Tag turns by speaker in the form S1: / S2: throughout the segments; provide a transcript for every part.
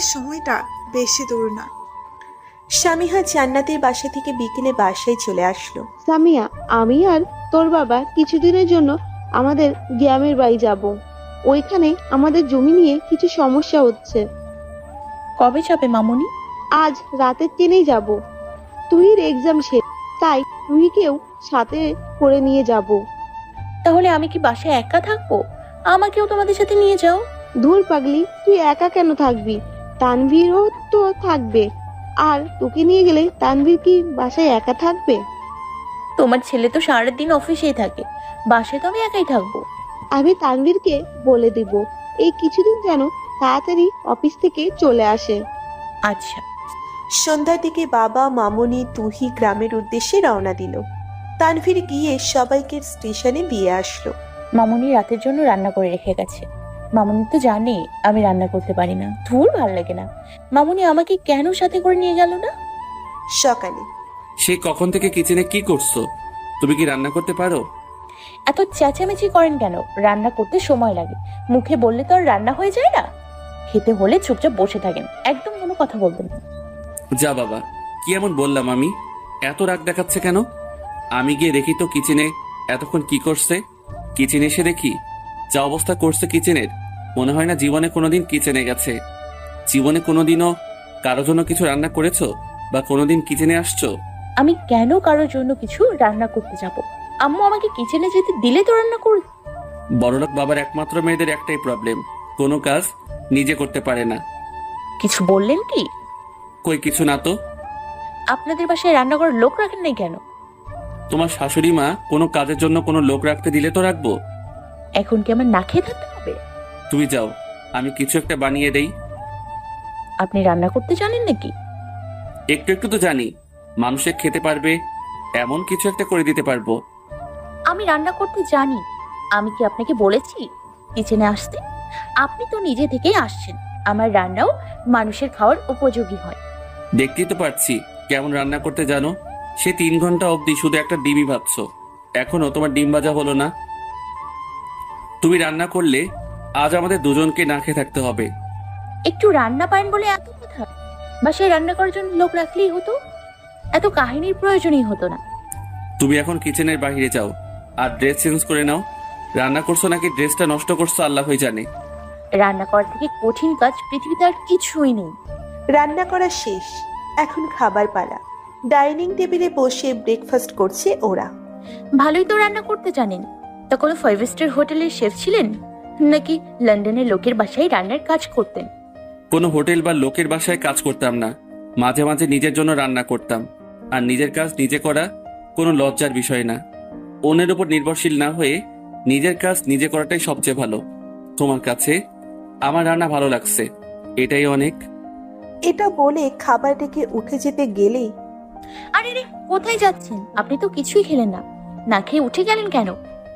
S1: সময়টা বেশি দূর না।
S2: সামিহা জান্নাতের বাসা থেকে বিকেলে বাসায় চলে আসলো।
S3: সামিয়া, আমি আর তোর বাবা কিছুদিনের জন্য আমাদের গ্রামের বাড়ি যাব। ওইখানে আমাদের জমি নিয়ে কিছু সমস্যা হচ্ছে।
S4: কবে যাবে মামুনি?
S3: আজ রাতের ট্রেনেই যাব। তুহির এক্সাম শেষ, তাই তুহিকেও সাথে করে নিয়ে যাব।
S4: তাহলে আমি কি বাসায় একা থাকবো? আমাকেও তোমাদের সাথে নিয়ে যাও।
S3: ধুর পাগলি, তুই একা কেন থাকবি? তানভীরও তো থাকবে। আর তোকে নিয়ে গেলে তানভীর কি বাসায় একা থাকবে?
S4: তোমার ছেলে তো সারাদিন অফিসেই থাকে, বাসায় তো আমি একাই থাকবো।
S3: আমি তানভীরকে বলে দিব এই কিছুদিন যেন তাড়াতাড়ি অফিস থেকে চলে আসে।
S4: আচ্ছা।
S2: সন্ধ্যার দিকে বাবা, মামুনি, তুহি গ্রামের উদ্দেশ্যে রওনা দিল। তানভীর গিয়ে সবাইকে স্টেশনে দিয়ে আসলো।
S4: মামুনি রাতের জন্য রান্না করে রেখে গেছে। মামুনি তো জানে আমি রান্না করতে পারি না, ধুর ভাল লাগে না। মামুনি আমাকে কেন সাথে করে নিয়ে গেল না?
S2: সকালে
S5: সেই কখন থেকে কিচেনে কি করছো? তুমি কি রান্না করতে পারো?
S4: এত চেঁচামেচি করেন কেন? রান্না করতে সময় লাগে, মুখে বললে তো আর রান্না হয়ে যায় না। খেতে হলে চুপচাপ বসে থাকেন, একদম কোনো কথা বলবেন না।
S5: যা বাবা, কি এমন বললাম আমি? এত রাগ দেখাচ্ছে কেন? আমি গিয়ে দেখি তো কিচেনে এতক্ষণ কি করছে। কিচেনে এসে দেখি যা অবস্থা করছে কিচেনের, মনে হয় না জীবনে কোনোদিন কিচেনে গেছে। জীবনে কোনোদিনও কারো জন্য কিছু রান্না করেছো বা কোনোদিন কিচেনে আসছো?
S4: আমি কেন কারোর জন্য কিছু রান্না করতে যাব? আম্মু আমাকে কিচেনে যেতে দিলে তো রান্না করব।
S5: বড়লোক বাবার একমাত্র মেয়েদের একটাই প্রবলেম, কোনো কাজ নিজে করতে পারে না।
S4: কিছু বললেন কি?
S5: কই কিছু না তো।
S4: আপনাদের বাসায় রান্না করার লোক রাখেন নাই কেন?
S5: তোমার শাশুড়ি মা কোনো কাজের জন্য কোনো লোক রাখতে দিলে তো রাখবো।
S4: এখন কি আমার না খেয়ে থাকতে হবে?
S5: তুমি যাও, আমি কিছু একটা বানিয়ে দেই।
S4: আপনি রান্না করতে জানেন নাকি?
S5: একটু একটু তো জানি, মানুষে খেতে পারবে এমন কিছু একটা করে দিতে পারবো।
S4: আমি রান্না করতে জানি। আমি কি আপনাকে বলেছি কিচেনে আসতে? আপনি তো নিজে থেকেই আসছেন। আমার রান্নাও মানুষের খাওয়ার উপযোগী হয়।
S5: দেখতেই তো পারছি কেমন রান্না করতে জানো। সে 3 ঘন্টা অবধি শুধু একটা ডিমই ভাবছো, এখনো তোমার ডিম ভাজা হলো না। তুমি রান্না করলে আজ আমাদের দুজনকে না খেয়ে থাকতে হবে।
S4: একটু রান্না পারেন বলে এত কথা? বাসায় রান্না করার জন্য লোক রাখলেই হতো, এত কাহিনীর প্রয়োজনই হতো না।
S5: তুমি এখন কিচেনের বাইরে যাও আর ড্রেস চেঞ্জ করে নাও। রান্না করছো নাকি ড্রেসটা নষ্ট করছো আল্লাহই জানে।
S4: রান্না করার থেকে কঠিন কাজ পৃথিবীতে আর কিছুই নেই।
S2: রান্না করা শেষ, এখন খাবার পালা। ডাইনিং টেবিলে বসে ব্রেকফাস্ট করছে ওরা।
S4: ভালোই তো রান্না করতে জানেন। তা কোনো 5 স্টার হোটেলের শেফ ছিলেন নাকি লন্ডনের লোকের বাসায় রান্নার কাজ করতেন?
S5: কোনো হোটেল বা লোকের বাসায় কাজ করতাম না, মাঝে মাঝে নিজের জন্য রান্না করতাম। আর নিজের কাজ নিজে করা কোনো লজ্জার বিষয় না। অন্যের উপর নির্ভরশীল না হয়ে নিজের কাজ নিজে করাটাই সবচেয়ে ভালো। তোমার কাছে আমার রান্না ভালো লাগছে, এটাই অনেক।
S2: এটা বলে খাবার রেখে উঠে যেতে গেলেই
S4: আরে রে, কোথায় যাচ্ছেন? আপনি তো কিছুই খেলেন না, না খেয়ে উঠে গেলেন কেন?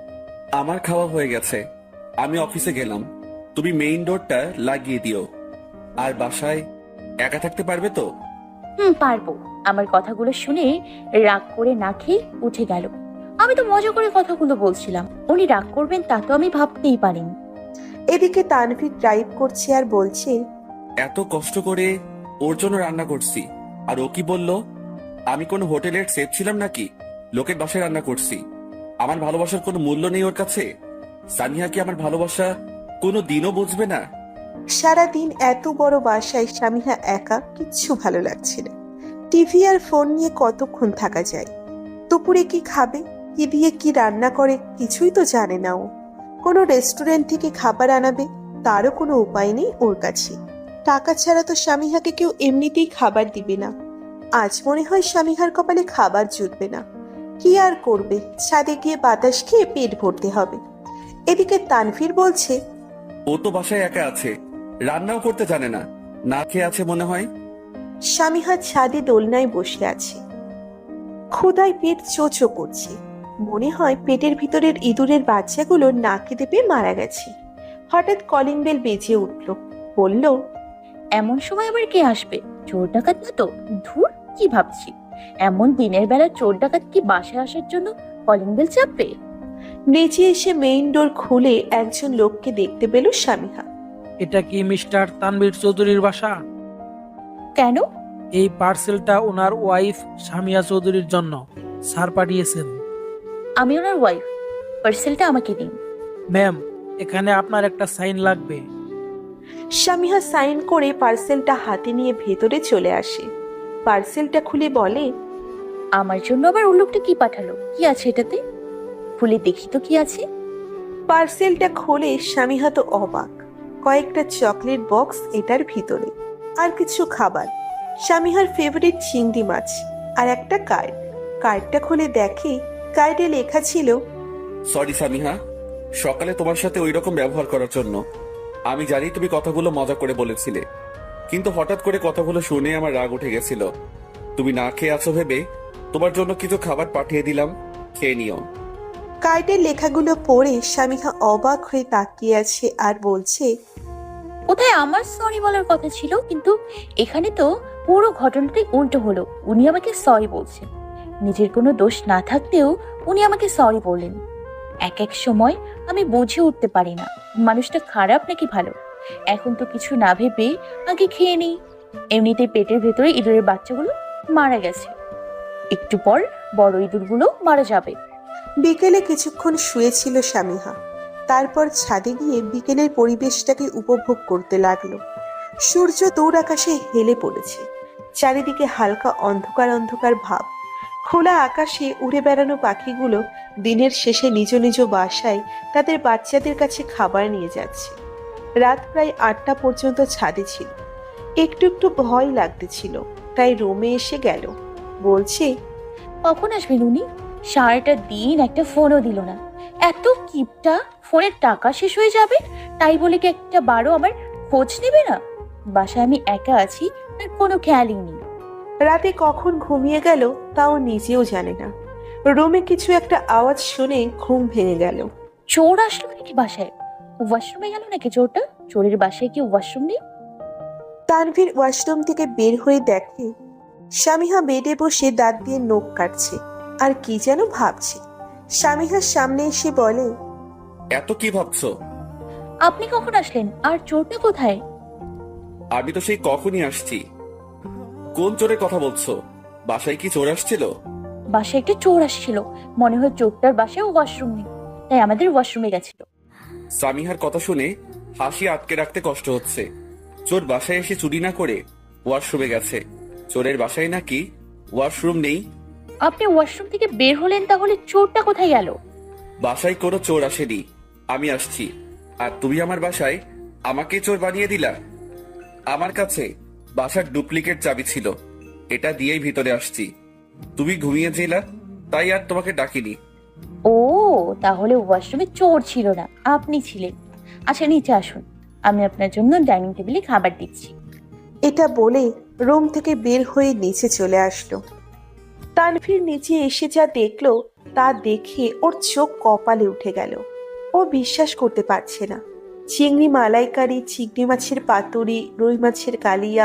S5: আমার খাওয়া হয়ে গেছে, আমি অফিসে গেলাম। তুমি মেইন ডোরটা লাগিয়ে দিও। আর বাসায় একা থাকতে পারবে তো?
S4: পারবো। আমার কথাগুলো শুনে রাগ করে না খেয়ে উঠে গেল। আমি তো মজা করে কথাগুলো বলছিলাম, উনি রাগ করবেন তা তো আমি ভাবতেই পারিনি।
S2: এদিকে তানভীর ড্রাইভ করছে আর বলছে,
S5: এত কষ্ট করে ওর জন্য রান্না করছি, আর ও কি বললো? আমি কোনো হোটেলের শেফ ছিলাম নাকি? লোকের বাসায় রান্না করছি। আমার ভালোবাসার কোনো মূল্য নেই ওর কাছে? সানিয়া কি আমার ভালোবাসা কোনো দিনও বুঝবে না?
S2: সারাদিন এত বড় বাসায় সামিহা একা, কিচ্ছু ভালো লাগছে না। টিভি আর ফোন নিয়ে কতক্ষণ থাকা যায়? দুপুরে কি খাবে, কি দিয়ে কি রান্না করে কিছুই তো জানে না ও। কোনো রেস্টুরেন্ট থেকে খাবার আনাবে তারও কোনো উপায় নেই ওর কাছে। টাকা ছাড়া তো সামিহাকে কেউ এমনিতেই খাবার দিবে না। আজ মনে হয় সামিহার কপালে খাবার জুটবে না। কি আর করবে, ছাদে গিয়ে বাতাস খেয়ে পেট ভরতে হবে। এদিকে তানভীর বলছে,
S5: ও তো বাসায় একা আছে, রান্নাও করতে জানে না, না খেয়ে আছে মনে হয়।
S2: সামিহা ছাদে দোলনায় বসে আছে, ক্ষুধায় পেট চোচো করছে। মনে হয় পেটের ভিতরের ইঁদুরের বাচ্চাগুলো না খেতে পেয়ে মারা গেছে। হঠাৎ কলিং বেল বেজে উঠল। বলল,
S4: এমন সময় আবার কে আসবে? চোর ডাকাত না তো? ধুর, কি ভাবছি? এমন দিনের বেলা চোর ডাকাত কি বাসায় আসার জন্য কলিং বেল চাপবে?
S2: নিচে এসে মেইন ডোর খুলে একজন লোককে দেখতে পেল সামিহা।
S6: এটা কি মিস্টার তানভীর চৌধুরীর বাসা?
S4: কেন?
S6: এই পার্সেলটা ওনার ওয়াইফ সামিয়া চৌধুরীর জন্য স্যার পাঠিয়েছেন।
S4: আমি ওনার ওয়াইফ, পার্সেলটা আমাকে দিন।
S6: ম্যাম, এখানে আপনার একটা সাইন লাগবে।
S2: স্বামীহা সাইন করে পার্সেলটা হাতে নিয়ে ভেতরে চলে আসে। পার্সেলটা খুলে বলে,
S4: আমার জন্য আবার ওই লোকটা কি পাঠালো? কি আছে এটাতে? খুলে দেখি তো কি আছে।
S2: পার্সেলটা খোলে স্বামীহা তো অবাক। কয়েকটা চকলেট বক্স এটার ভিতরে, আর কিছু খাবার, স্বামীহার ফেভারিট চিংড়ি মাছ, আর একটা কার্ড। কার্ডটা খুলে দেখে কার্ডে লেখা ছিল,
S5: সরি সামিহা, সকালে তোমার সাথে ওই রকম ব্যবহার করার জন্য। আমি জানি তুমি কথাগুলো মজা করে বলেছিলে, কিন্তু হঠাৎ করে কথাগুলো শুনে আমার রাগ উঠে গেছিল। তুমি না খেয়ে আছো ভেবে তোমার জন্য কিছু খাবার পাঠিয়ে দিলাম, খেয়ে নিও।
S2: কার্ডের লেখাগুলো পড়ে স্বামীহা অবাক হয়ে তাকিয়ে আছে আর বলছে,
S4: কোথায় আমার সরি বলার কথা ছিল, কিন্তু এখানে তো পুরো ঘটনাটাই উল্টো হলো। উনি আমাকে সরি বলছেন, নিজের কোনো দোষ না থাকতেও উনি আমাকে সরি বললেন। এক এক সময় আমি বুঝে উঠতে পারি না মানুষটা খারাপ নাকি ভালো। এখন তো কিছু না ভেবে আগে খেয়ে নিই। এমনিতেই পেটের ভেতরে ইঁদুরের বাচ্চাগুলো মারা গেছে, একটু পর বড় ইঁদুরগুলো মারা যাবে।
S2: বিকেলে কিছুক্ষণ শুয়েছিল স্বামীহা। তারপর ছাদে গিয়ে বিকেলের পরিবেশটাকে উপভোগ করতে লাগলো। সূর্য দূর আকাশে হেলে পড়েছে, চারিদিকে হালকা অন্ধকার অন্ধকার ভাব। খোলা আকাশে উড়ে বেড়ানো পাখিগুলো দিনের শেষে নিজ নিজ বাসায় তাদের বাচ্চাদের কাছে খাবার নিয়ে যাচ্ছে। রাত প্রায় 8টা পর্যন্ত ছাদে ছিল। একটু একটু ভয় লাগতেছিল, তাই রুমে এসে গেল। বলছে,
S4: কখন আসবেন উনি? সারাটা দিন একটা ফোনও দিল না। এত কিপটা, ফোনের টাকা শেষ হয়ে যাবে তাই বলে কি একটা বারো আমার খোঁজ নেবে না? বাসায় আমি একা আছি, তার কোনো খেয়ালই নেই।
S2: রাতে কখন ঘুমিয়ে গেল তাও নিজেও জানে না। রুমে কিছু একটা আওয়াজ শুনে ঘুম ভেঙে গেল।
S4: চোর আসলো নাকি বাসায়? ওয়াশরুমে গেল নাকি চোরটা? চোরের বাসায় কি ওয়াশরুম নেই?
S2: তানভীর ওয়াশরুম থেকে বের হয়ে দেখে স্বামীহা বেডে বসে দাঁত দিয়ে নখ কাটছে আর কি যেন ভাবছে। স্বামীহার সামনে এসে বলে,
S5: এত কি ভাবছো?
S4: আপনি কখন আসলেন? আর চোরটা কোথায়?
S5: আমি তো সেই কখনই আসছি। কোন চোরের কথা বলছো? বাসায় কি চোর আসছিল?
S4: বাসায় একটা চোর আসছিল, মনে হয় চোরটার বাসায় ওয়াশরুম নেই, তাই আমাদের ওয়াশরুমে গেছিল।
S5: সামিহার কথা শুনে হাসি আটকে রাখতে কষ্ট হচ্ছে। চোর বাসায় এসে চুরি না করে ওয়াশরুমে গেছে। চোরের বাসায় নাকি ওয়াশরুম নেই?
S4: আপনি ওয়াশরুম থেকে বের হলেন, তাহলে চোরটা কোথায় গেল?
S5: বাসায় কোনো চোর আসেনি, আমি আসছি। আর তুমি আমার বাসায় আমাকে চোর বানিয়ে দিলা। আমার কাছে বাসার ডুপ্লিকেট চাবি ছিল, এটা দিয়েই ভিতরে আসছি। তুমি ঘুমিয়েছিলা, তাই আর তোমাকে ডাকিনি।
S4: ও, তাহলে ওয়াশরুমে চোর ছিল না, আপনি ছিলেন। আচ্ছা নিচে আসুন, আমি আপনার জন্য ডাইনিং টেবিলে খাবার দিচ্ছি।
S2: এটা বলে রুম থেকে বের হয়ে নিচে চলে আসলো। তানভীর নিচে এসে যা দেখলো তা দেখে ওর চোখ কপালে উঠে গেল। ও বিশ্বাস করতে পারছে না। চিংড়ি মালাইকারি, চিংড়ি মাছের পাতুরি, রুই মাছের কালিয়া,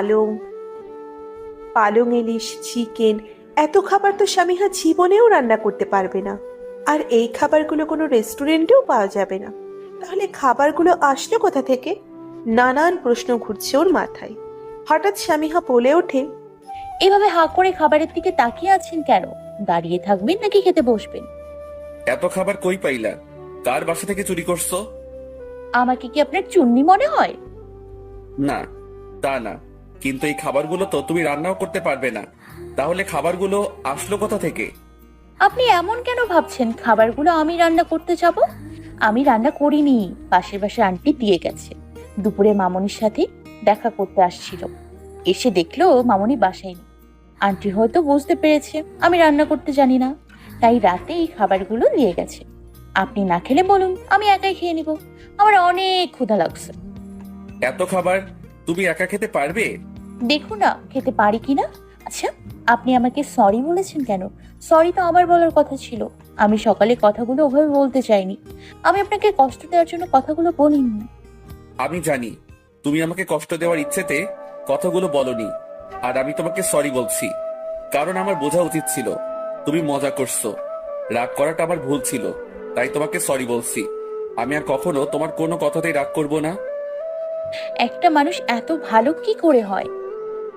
S2: পালং ইলিশ, চিকেন, এত খাবার তো স্বামীহা জীবনেও রান্না করতে পারবে না। আর এই খাবারগুলো কোনো রেস্টুরেন্টেও পাওয়া যাবে না। তাহলে খাবারগুলো আসলো কোথা থেকে? নানান প্রশ্ন ঘুরছে ওর মাথায়। হঠাৎ স্বামীহা বলে ওঠে,
S4: এভাবে হাঁ করে খাবারের দিকে তাকিয়ে আছেন কেন? দাঁড়িয়ে থাকবেন নাকি খেতে বসবেন?
S5: এত খাবার কই পাইলা? কার বাসা থেকে চুরি করছো?
S4: আমাকে কি আপনার চুন্নি মনে হয়?
S5: না, তা না, কিন্তু এই খাবারগুলো তো তুমি রান্নাও করতে পারবে না। তাহলে খাবারগুলো আসলো কোথা থেকে?
S4: আপনি এমন কেন ভাবছেন খাবারগুলো আমি রান্না করতে যাব? আমি রান্না করিনি, পাশের বাসার আন্টি দিয়ে গেছে। দুপুরে মামনির সাথে দেখা করতে আসছিল, এসে দেখলো মামনি বাসায় নেই। আন্টি হয়তো বুঝতে পেরেছে আমি রান্না করতে জানি না, তাই রাতে এই খাবারগুলো দিয়ে গেছে। আপনি না খেলে বলুন, আমি একাই খেয়ে নিব, আমার অনেক ক্ষুধা লাগছে।
S5: এত খাবার তুমি একা খেতে পারবে?
S4: দেখুন না খেতে পারি কিনা। আচ্ছা, আপনি আমাকে সরি বলেছেন কেন? সরি তো আমার বলার কথা ছিল। আমি সকালে কথাগুলো ওভাবে বলতে চাইনি, আমি আপনাকে কষ্ট দেওয়ার জন্য কথাগুলো বলিনি।
S5: আমি জানি তুমি আমাকে কষ্ট দেওয়ার ইচ্ছেতে কথাগুলো বলনি, আর আমি তোমাকে সরি বলছি, কারণ আমার বোঝা উচিত ছিল তুমি মজা করছো। রাগ করাটা আমার ভুল ছিল, তাই তোমাকে সরি বলছি। আমি আর কখনো তোমার কোনো কথাতেই রাগ করব না।
S4: একটা মানুষ এত ভালো কি করে হয়?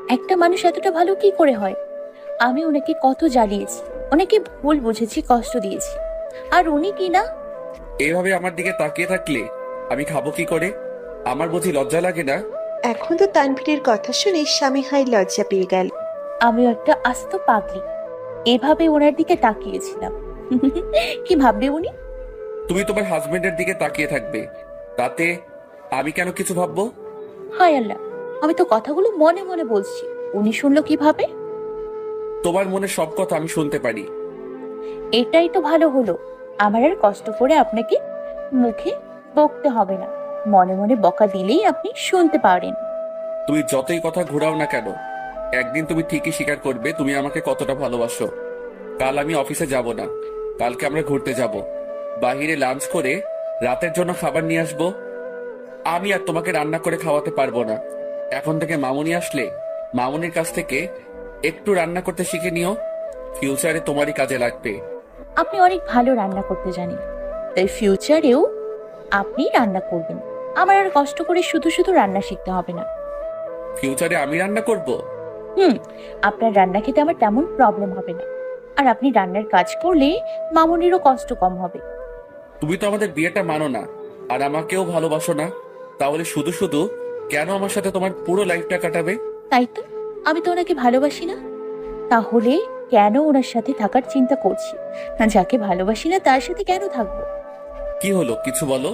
S4: একটা মানুষ এতটা ভালো কি করে হয়? আমি ওনাকে কত জ্বালিয়েছি, ওনাকে ভুল বুঝেছি, কষ্ট দিয়েছি, আর উনি কি না।
S5: এইভাবে আমার দিকে তাকিয়ে থাকলে আমি খাবো কি করে? আমার বুঝি লজ্জা লাগে না?
S2: এখন তো তানভীরের কথা শুনে স্বামীহাই লজ্জা পেয়ে গেল।
S4: আমিও একটা আস্ত পাগলি, এভাবে ওনার দিকে তাকিয়েছিলাম। কি ভাববে উনি?
S5: তুমি তোমার হাজবেন্ডের দিকে তাকিয়ে থাকবে, তাতে আমি কেন কিছু ভাববো?
S4: হায় আল্লাহ, আমি তো কথাগুলো মনে মনে বলছি, উনি শুনলো কিভাবে?
S5: তোমার মনে সব কথা আমি শুনতে পারি।
S4: এটাই তো ভালো হলো, আমার আর কষ্ট করে আপনাকে মুখে বকতে হবে না, মনে মনে বকা দিলেই আপনি শুনতে পারেন।
S5: তুমি যতই কথা ঘোরাও না কেন, একদিন তুমি ঠিকই স্বীকার করবে তুমি আমাকে কতটা ভালোবাসো। কাল আমি অফিসে যাব না, কালকে আমরা ঘুরতে যাব, বাহিরে লাঞ্চ করে রাতের জন্য খাবার নিয়ে আসবো। আমি আর তোমাকে রান্না করে খাওয়াতে পারবো না। এখন থেকে মামুনি আসলে মামুনির কাছ থেকে একটু রান্না করতে শিখে নিও, ফিউচারে তোমারই কাজে লাগবে।
S4: আপনি অনেক ভালো রান্না করতে জানেন, তাই ফিউচারেও আপনি রান্না করবেন, আমার আর কষ্ট করে শুধু শুধু রান্না শিখতে হবে না।
S5: ফিউচারে আমি রান্না করব?
S4: আপনার রান্না খেতে আমার তেমন প্রবলেম হবে না, আর আপনি রান্নার কাজ করলে মামুনিরও কষ্ট কম হবে।
S5: তুমি তো আমাদের বিয়েটা মানো না, আর আমাকেও ভালোবাসো না, তাহলে শুধু শুধু কেন আমার সাথে তোমার পুরো লাইফটা কাটাবে?
S4: তাই তো, আমি তো ওনাকে ভালোবাসি না, তাহলে কেন ওনার সাথে থাকার চিন্তা করছি? না, যাকে ভালোবাসি না তার সাথে কেন থাকবো?
S5: কি হলো, কিছু বলো।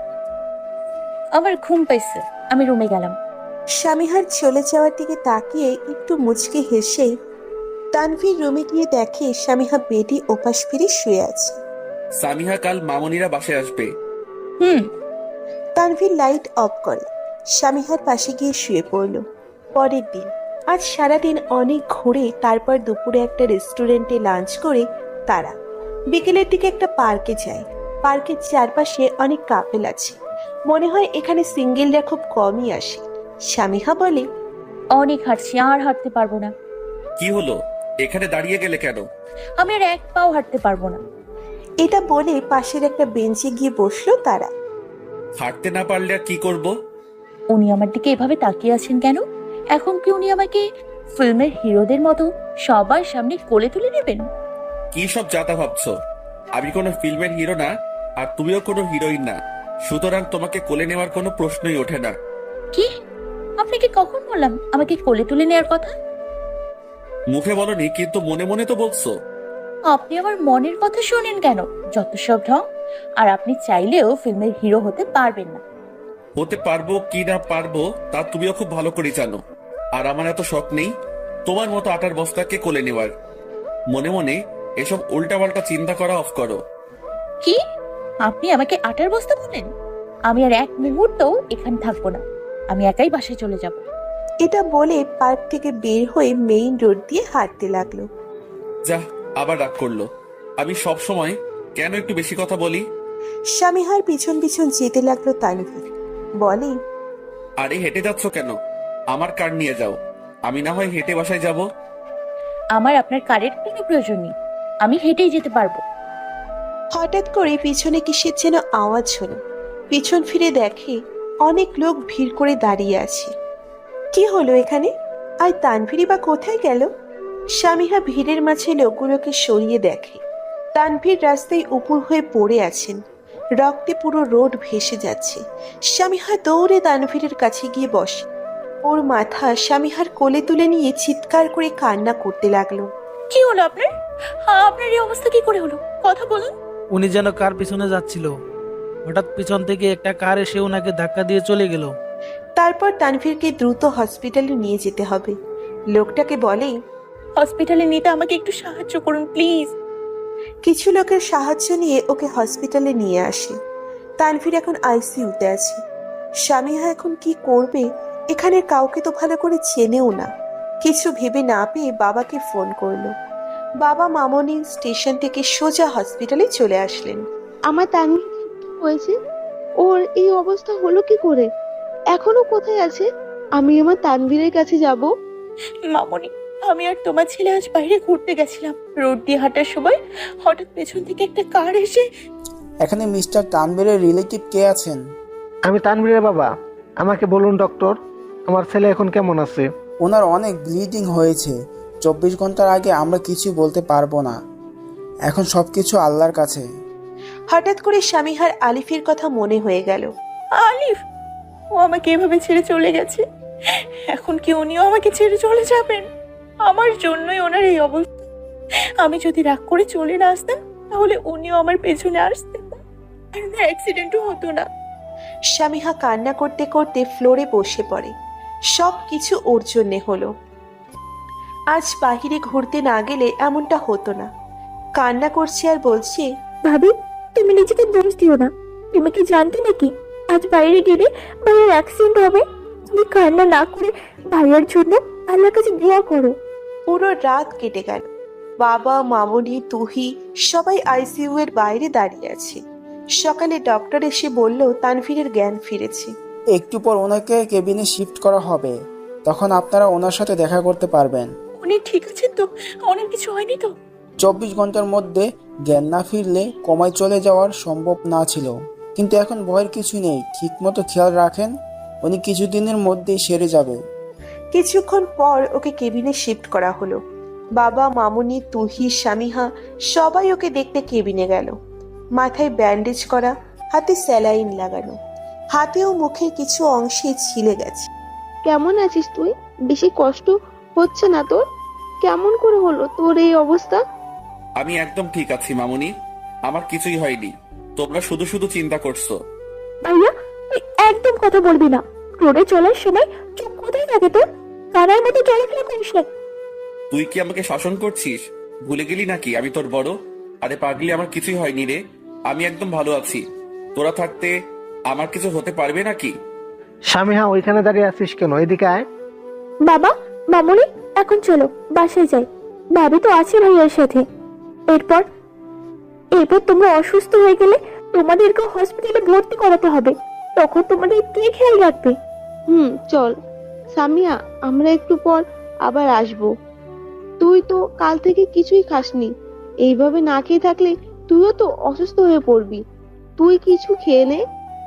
S4: আমার ঘুম পাইছে, আমি রুমে গেলাম।
S2: স্বামীহার চলে যাওয়ার দিকে তাকিয়ে একটু মুচকে হেসেই তানভীর রুমে গিয়ে দেখে স্বামীহা বেডে ওপাশ ফিরে শুয়ে আছে।
S5: সামিহা কাল মামুনিরা বাসায় আসবে।
S4: হুম।
S2: তানভীর লাইট অফ করে স্বামীহার পাশে গিয়ে শুয়ে পড়ল। পরের দিন আজ সারাদিন অনেক ঘুরে তারপর দুপুরে একটা রেস্টুরেন্টে লাঞ্চ করে তারা বিকেলের দিকে একটা পার্কে যায়। পার্কের চারপাশে অনেক কাপেল আছে, মনে হয় এখানে সিঙ্গেলরা খুব কমই আসে। স্বামীহা বলে,
S4: অনেক হাঁটছি, আর হাঁটতে পারবো না।
S5: কি হলো, এখানে দাঁড়িয়ে গেলে কেন?
S4: আমি আর এক পাও হাঁটতে পারবো না।
S2: এটা বলে পাশের একটা বেঞ্চে গিয়ে বসলো তারা।
S5: হাঁটতে না পারলে আর কি করব?
S4: উনি আমার দিকে এভাবে তাকিয়ে আছেন কেন? এখন কি উনি আমাকে ফিল্মের হিরোদের মতো সবার সামনে কোলে তুলে নেবেন?
S5: কি সব যাতা ভাবছো? আমি কোনো ফিল্মের হিরো না, আর তুমিও কোনো হিরোইন না, সুতরাং তোমাকে কোলে নেওয়ার কোনো প্রশ্নই ওঠে না।
S4: কি? আপনাকে কখন বললাম আমাকে কোলে তুলে নেওয়ার কথা?
S5: মুখে বলনি, কিন্তু মনে মনে তো বলছো।
S4: আপনি আমার মনের কথা শোনেন কেন? যত সব ঢং। আর আপনি চাইলেও ফিল্মের হিরো হতে পারবেন না।
S5: হতে পারবো কি না পারবো তা তুমিও খুব ভালো করে জানো, আর আমার এত শখ নেই তোমার মতো আটার বস্তাকে কোলে নেওয়ার। মনে মনে এসব উল্টাপাল্টা চিন্তা করা অফ করো।
S4: কি? আপনি আমাকে আটার বস্তা বলেন? আমি আর এক মুহূর্তও এখানে থাকবো না, আমি একাই বাসায় চলে যাব।
S2: এটা বলে পার্ক থেকে বের হয়ে মেইন রোড দিয়ে হাঁটতে লাগলো।
S5: যা, আবার রাগ করলো। আমি সব সময় কেন একটু বেশি কথা বলি?
S2: স্বামীহার পিছন পিছন যেতে লাগলো তানভীর। বলে,
S5: আরে হেঁটে যাচ্ছ কেন? আমার কার নিয়ে যাও, আমি না হয় হেঁটে বাসায় যাব।
S4: আমার আপনার কারের কোনো প্রয়োজন নেই, আমি হেঁটেই যেতে পারবো।
S2: হঠাৎ করে পিছনে কিসের যেন আওয়াজ হলো। পিছন ফিরে দেখে অনেক লোক ভিড় করে দাঁড়িয়ে আছে। কি হলো এখানে? আর তানভীরই বা কোথায় গেল? স্বামীহা ভিড়ের মাঝে লোকগুলোকে সরিয়ে দেখে তানভীর রাস্তায় উপুর হয়ে পড়ে আছেন, রক্তে পুরো রোড ভেসে যাচ্ছে। স্বামীহা দৌড়ে তানভীরের কাছে গিয়ে বসে, ওর মাথা স্বামীহার কোলে তুলে নিয়ে চিৎকার করে কান্না করতে লাগলো।
S4: কি হলো আপনার? আপনার এই অবস্থা কি করে হলো? কথা বলুন।
S6: উনি যেন কার পিছনে যাচ্ছিল, হঠাৎ পিছন থেকে একটা কার এসে ওনাকে ধাক্কা দিয়ে চলে গেল।
S2: তারপর তানভীরকে দ্রুত হসপিটালে নিয়ে যেতে হবে। লোকটাকে বলে,
S4: হসপিটালে নিতে আমাকে একটু সাহায্য করুন প্লিজ।
S2: কিছু লোকের সাহায্য নিয়ে ওকে হসপিটালে নিয়ে আসে। তানভীর এখন আইসিইউতে আছে। স্বামীহা এখন কি করবে? এখানে কাউকে তো ভালো করে চেনেও না। কিছু ভেবে না পেয়ে বাবাকে ফোন করলো। বাবা মামনি স্টেশন থেকে সোজা হসপিটালে চলে আসলেন।
S3: আমার তানভীর কি হয়েছে? ওর এই অবস্থা হলো কি করে? এখনো কোথায় আছে? আমি আমার তানভীরের কাছে যাব।
S4: মামনি, আমি আর তোমার ছেলে আজ বাইরে ঘুরতে গেছিলাম। রোড দিয়ে হাঁটার সময় হঠাৎ পেছন থেকে একটা কার এসে।
S7: এখানে মিস্টার তানভীরের রিলেটিভ কে আছেন?
S8: আমি তানভীরের বাবা। আমাকে বলুন ডক্টর, আমার ছেলে এখন কেমন আছে?
S7: ওনার অনেক ব্লিডিং হয়েছে। 24 ঘন্টার আগে আমরা কিছু বলতে পারবো না। এখন সব কিছু আল্লাহর কাছে।
S2: হঠাৎ করে স্বামীহার আলিফের কথা মনে হয়ে গেল।
S4: আলিফ, ও আমাকে এভাবে ছেড়ে চলে গেছে। এখন কি উনিও আমাকে ছেড়ে চলে যাবেন? আমার জন্যই ওনার এই অবস্থা। আমি যদি রাগ করে চলে না আসতাম তাহলে উনিও আমার পেছনে আসতেন না, অ্যাক্সিডেন্টও হতো না।
S2: স্বামীহা কান্না করতে করতে ফ্লোরে বসে পড়ে। সব কিছু ওর জন্যে হলো। আজ বাহিরে ঘুরতে না গেলে এমনটা হতো না। কান্না করছে আর বলছে,
S8: ভাবি, তুমি নিজেকে দোষ দিও না। তুমি কি জানতে নাকি আজ বাইরে গেলে ভাইয়ের অ্যাক্সিডেন্ট হবে? তুমি কান্না না করে ভাইয়ের জন্য আল্লাহর কাছে দোয়া করো।
S2: পুরো রাত কেটে গেল। বাবা, মামনি, তুহি সবাই আইসিইউ এর বাইরে দাঁড়িয়ে আছে। সকালে ডক্টর এসে বলল তানভীরের জ্ঞান ফিরেছে।
S7: একটু পর ওনাকে কেবিনে শিফট করা হবে, তখন আপনারা ওনার সাথে দেখা করতে পারবেন।
S4: উনি ঠিক আছেন তো? অনেক কিছু হয়নি তো?
S7: 24 ঘন্টার মধ্যে জ্ঞান না ফিরলে কমায় চলে যাওয়ার সম্ভব না ছিল, কিন্তু এখন ভয়ের কিছু নেই। ঠিকমতো খেয়াল রাখেন, উনি কিছুদিনের মধ্যেই সেরে যাবে।
S2: কিছুক্ষণ পর ওকে কেবিনে শিফট করা হলো। বাবা, মামুনি, তুহি, স্বামীহা সবাই ওকে দেখতে কেবিনে গেল। মাথায় ব্যান্ডেজ করা, হাতে স্যালাইন লাগানো, হাতে ও মুখের কিছু অংশে ছিলে গেছে।
S3: কেমন আছিস তুই? বেশি কষ্ট হচ্ছে না তোর? কেমন করে হলো তোর এই অবস্থা?
S5: আমি একদম ঠিক আছি মামুনি, আমার কিছুই হয়নি। তোমরা শুধু শুধু চিন্তা করছো।
S8: ভাইয়া, তুই একদম কথা বলবি না। রোডে চলার সময় চোখ কোথায় থাকে তোর? কানার মতো চলাফেরা করিস না।
S5: তুই কি আমাকে শাসন করছিস? ভুলে গেলি নাকি আমি তোর বড়? আরে পাগলি, আমার কিছুই হয়নি রে। আমি একদম ভালো আছি। তোরা থাকতে আমার কিছু হতে পারবে নাকি?
S9: স্বামীহা, ওইখানে দাঁড়িয়ে আছিস কেন? এদিকে আয়।
S8: বাবা, মামুনি, এখন চলো বাসায় যাই। ভাবি তো আছে ভাইয়ার সাথে। এরপর এরপর তোমরা অসুস্থ হয়ে গেলে তোমাদেরকে হসপিটালে ভর্তি করাতে হবে। তখন তোমাদের কে খেয়াল রাখবে?
S3: চল সামিয়া, আমরা একটু পর আবার আসবো। তুই তো কাল থেকে কিছুই খাসনি। এইভাবে না খেয়ে থাকলে তুইও তো অসুস্থ হয়ে পড়বি। তুই কিছু খেয়ে নে।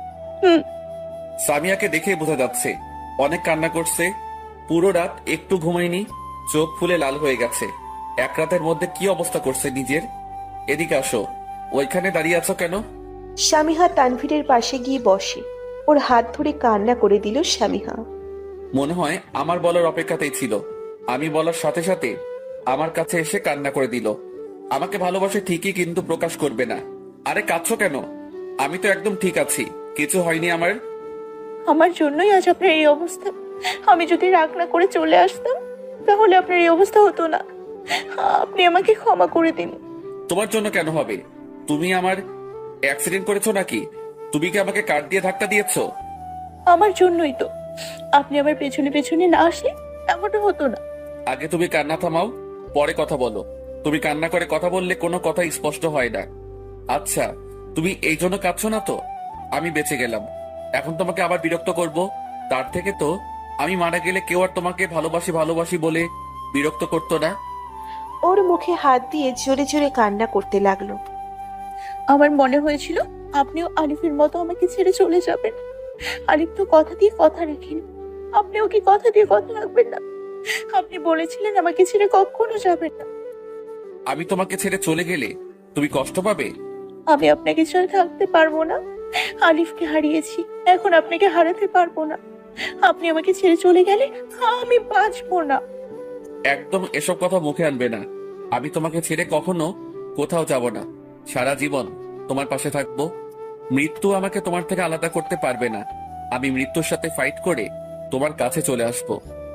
S5: সামিয়াকে দেখে বোঝা যাচ্ছে অনেক কান্না করছে। পুরো রাত একটু ঘুমায়নি, চোখ ফুলে লাল হয়ে গেছে। এক রাতের মধ্যে কি অবস্থা করছে নিজের। এদিকে আসো। ওইখানে দাঁড়িয়ে আছো কেন?
S2: স্বামীহা তানভীরের পাশে গিয়ে বসে। ওর হাত ধরে কান্না করে দিল স্বামীহা।
S5: মনে হয় আমার বলার অপেক্ষাতেই ছিল। আমি বলার সাথে সাথে আমার কাছে এসে কান্না করে দিল। আমাকে ভালোবাসে ঠিকই, কিন্তু প্রকাশ করবে না। আরে কাঁদছো কেন? আমি তো একদম ঠিক আছি, কিছু হয়নি আমার।
S4: আমার জন্যই আজ আপনার এই অবস্থা। আমি যদি রাগ না করে চলে আসতাম তাহলে আপনার এই অবস্থা হতো না। আপনি আমাকে ক্ষমা করে দিন।
S5: তোমার জন্য কেন হবে? তুমি আমার অ্যাক্সিডেন্ট করেছো নাকি? তুমি কি আমাকে কার দিয়ে ধাক্কা দিয়েছো?
S4: আমার জন্যই তো। আপনি আমার পেছনে পেছনে না আসলে এমনটা হতো না।
S5: আগে তুমি কান্না থামাও, পরে কথা বলো। তুমি কান্না করে কথা বললে কোনো কথা স্পষ্ট হয় না। আচ্ছা, তুমি এই জন্য কাঁদছো না তো? আমি বেঁচে গেলাম, এখন তোমাকে আবার বিরক্ত করব? তার থেকে তো আমি মারা গেলে কেউ আর তোমাকে ভালোবাসি ভালোবাসি বলে বিরক্ত করতো না।
S2: ওর মুখে হাত দিয়ে জোরে জোরে কান্না করতে লাগলো।
S4: আমার মনে হয়েছিল আপনিও আলিফের মতো আমাকে ছেড়ে চলে যাবেন। আলিফ তো কথা দিয়ে কথা রাখেন। আপনিও কি কথা দিয়ে কথা রাখবেন না? আপনি বলেছিলেন আমাকে ছেড়ে কখনো যাবেন না।
S5: আমি তোমাকে ছেড়ে চলে গেলে তুমি কষ্ট পাবে?
S4: আমি আপনাকে ছাড়া থাকতে পারবো না। আলিফকে হারিয়েছি, এখন আপনাকে হারাতে পারবো না। আপনি আমাকে ছেড়ে চলে গেলে আমি বাঁচবো না।
S5: একদম এসব কথা মুখে আনবে না। আমি তোমাকে ছেড়ে কখনো কোথাও যাব না। সারা জীবন তোমার পাশে থাকবো। মৃত্যু আমাকে তোমার থেকে আলাদা করতে পারবে না। আমি মৃত্যুর সাথে ফাইট করে তোমার কাছে চলে আসবো।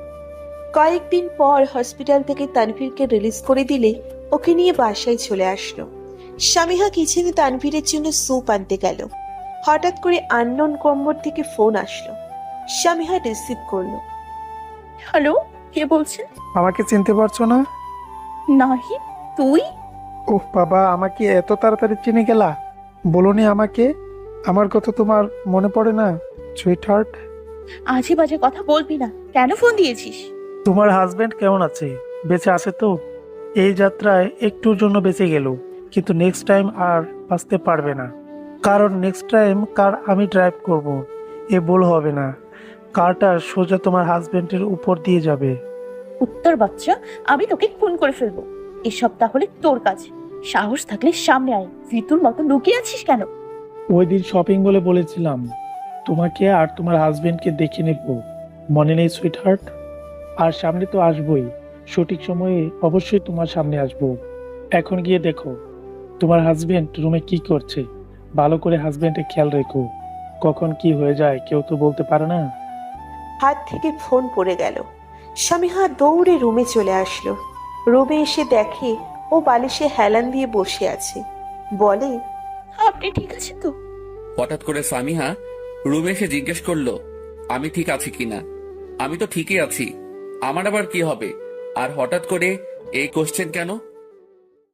S2: কয়েকদিন পর হসপিটাল থেকে তানভীরকে রিলিজ করে দিলে ওকে নিয়ে বাসায় চলে আসলো। স্বামীহা কিচেনে তানভীরের জন্য স্যুপ আনতে গেল। হঠাৎ করে আননোন নম্বর থেকে ফোন আসলো। স্বামীহা রিসিভ করলো।
S4: হ্যালো, কে বলছেন?
S9: আমাকে চিনতে পারছো না?
S4: নাহি, তুই?
S9: ওহ বাবা, আমাকে এত তাড়াতাড়ি চিনে গেলা? বলোনি আমাকে? আমার কথা তোমার মনে পড়ে না সুইট হার্ট?
S4: আজে বাজে কথা বলবি না। কেন ফোন দিয়েছিস?
S9: তোমার হাজবেন্ড কেমন আছে? বেঁচে আছে তো? এই যাত্রায় একটুর জন্য বেঁচে গেল, কিন্তু নেক্সট টাইম আর বাঁচতে পারবে না। কারণ নেক্সট টাইম কার আমি ড্রাইভ করব। এ ভুল হবে না। কারটা সোজা তোমার হাজবেন্ডের উপর দিয়ে যাবে।
S4: কুত্তার বাচ্চা, আমি তোকে খুন করে ফেলবো। এসব তাহলে তোর কাজ। সাহস থাকলে সামনে আয়, ভিতুর মতো লুকিয়ে আছিস কেন?
S9: ওই দিন শপিং বলে বলেছিলাম তোমাকে আর তোমার হাজবেন্ডকে দেখে নেব, মনে নেই সুইট হার্ট? আর সামনে তো আসবই, সঠিক সময়ে অবশ্যই তোমার সামনে আসবো। এখন গিয়ে দেখো তোমার হাজবেন্ড রুমে কি করছে, ভালো করে হাজবেন্ডের খেয়াল রেখো, কখন কি হয়ে যায় কেউ তো বলতে পারে না।
S2: হাত থেকে ফোন পড়ে গেল। স্বামীহা দৌড়ে রুমে চলে আসলো। রুমে এসে দেখে ও বালিশে হেলান দিয়ে বসে আছে। বলে,
S4: আপনি ঠিক আছেন তো?
S5: হঠাৎ করে সামিহা রুমে এসে জিজ্ঞেস করলো আমি ঠিক আছি কিনা। আমি তো ঠিকই আছি, আমার আবার কি হবে? আর হঠাৎ করে এই কোশ্চেন কেন?